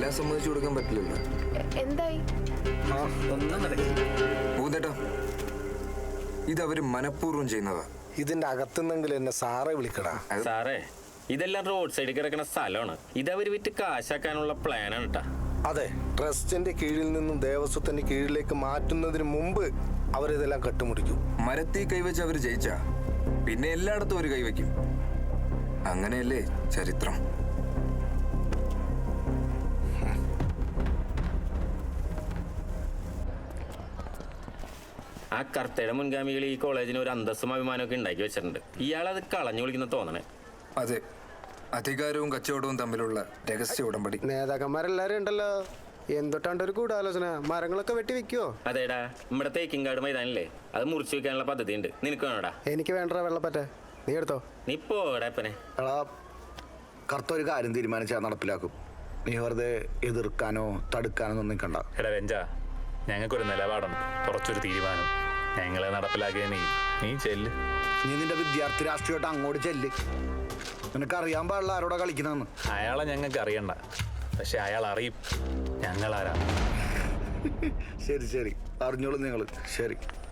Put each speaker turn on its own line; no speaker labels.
എല്ലാം സമ്മതിച്ചു കൊടുക്കാൻ പറ്റില്ലല്ലോ.
എന്തായി?
ഭൂതേട്ടാ, ഇതവര് മനഃപൂർവ്വം ചെയ്യുന്നതാ.
ഇതിന്റെ അകത്തുനിന്നെങ്കിലും എന്നെ സാറെ വിളിക്കടാ.
സാറേ, ഇതെല്ലാം റോഡ് സൈഡിൽ കിടക്കുന്ന സ്ഥലമാണ്. ഇതവര് വിറ്റ് കാശാക്കാനുള്ള പ്ലാനാണ് കേട്ടാ.
അതെ, ട്രസ്റ്റിന്റെ കീഴിൽ നിന്നും ദേവസ്വത്തിന്റെ കീഴിലേക്ക് മാറ്റുന്നതിന് മുമ്പ് അവരിതെല്ലാം കെട്ടുമുടിക്കും.
മരത്തിൽ കൈവച്ച് അവര് ജയിച്ച പിന്നെ എല്ലായിടത്തും അവര് കൈവയ്ക്കും. അങ്ങനെയല്ലേ ചരിത്രം.
ആ കർത്തയുടെ മുൻഗാമികൾ ഈ കോളേജിന് ഒരു അന്തസ്സും അഭിമാനമൊക്കെ ഉണ്ടാക്കി വെച്ചിട്ടുണ്ട്. ഇയാളത് കളഞ്ഞു വിളിക്കുന്ന തോന്നണേ.
അതെ, അധികാരവും കച്ചവടവും തമ്മിലുള്ള രഹസ്യ ഉടമ്പടി.
നേതാക്കന്മാരെല്ലാരും ഉണ്ടല്ലോ, എന്തൊട്ടാണ്ട് ഒരു ഗൂഢാലോചന. മരങ്ങളൊക്കെ വെട്ടി വെക്കുവോ?
അതേടാ, നമ്മുടെ തേക്കിൻകാട് മൈതാനില്ലേ, അത് മുറിച്ചു വെക്കാനുള്ള പദ്ധതി ഉണ്ട്. നിനക്ക് വേണോടാ?
എനിക്ക് വേണ്ട വെള്ളപ്പറ്റ, നീ എടുത്തോ.
നീ പോടാപ്പനെ.
കറുത്ത ഒരു കാര്യം തീരുമാനിച്ചാൽ നടപ്പിലാക്കും. നീ വെറുതെ എതിർക്കാനോ തടുക്കാനോ ഒന്നും നിൽക്കണ്ട.
എടാ രഞ്ജ, ഞങ്ങൾക്കൊരു നിലപാടുണ്ട്, കുറച്ചൊരു തീരുമാനം. ഞങ്ങളെ നടപ്പിലാക്കിയ നീ ചെല്ല്.
നീ നിന്റെ വിദ്യാർത്ഥി രാഷ്ട്രീയമായിട്ട് അങ്ങോട്ട് ചെല്ല്. നിനക്കറിയാൻ പാടില്ല ആരോടാ കളിക്കണമെന്ന്.
അയാളെ ഞങ്ങൾക്ക് അറിയണ്ട, പക്ഷെ അയാൾ അറിയും ഞങ്ങളാരാ.
ശരി അറിഞ്ഞോളൂ നിങ്ങൾ. ശരി.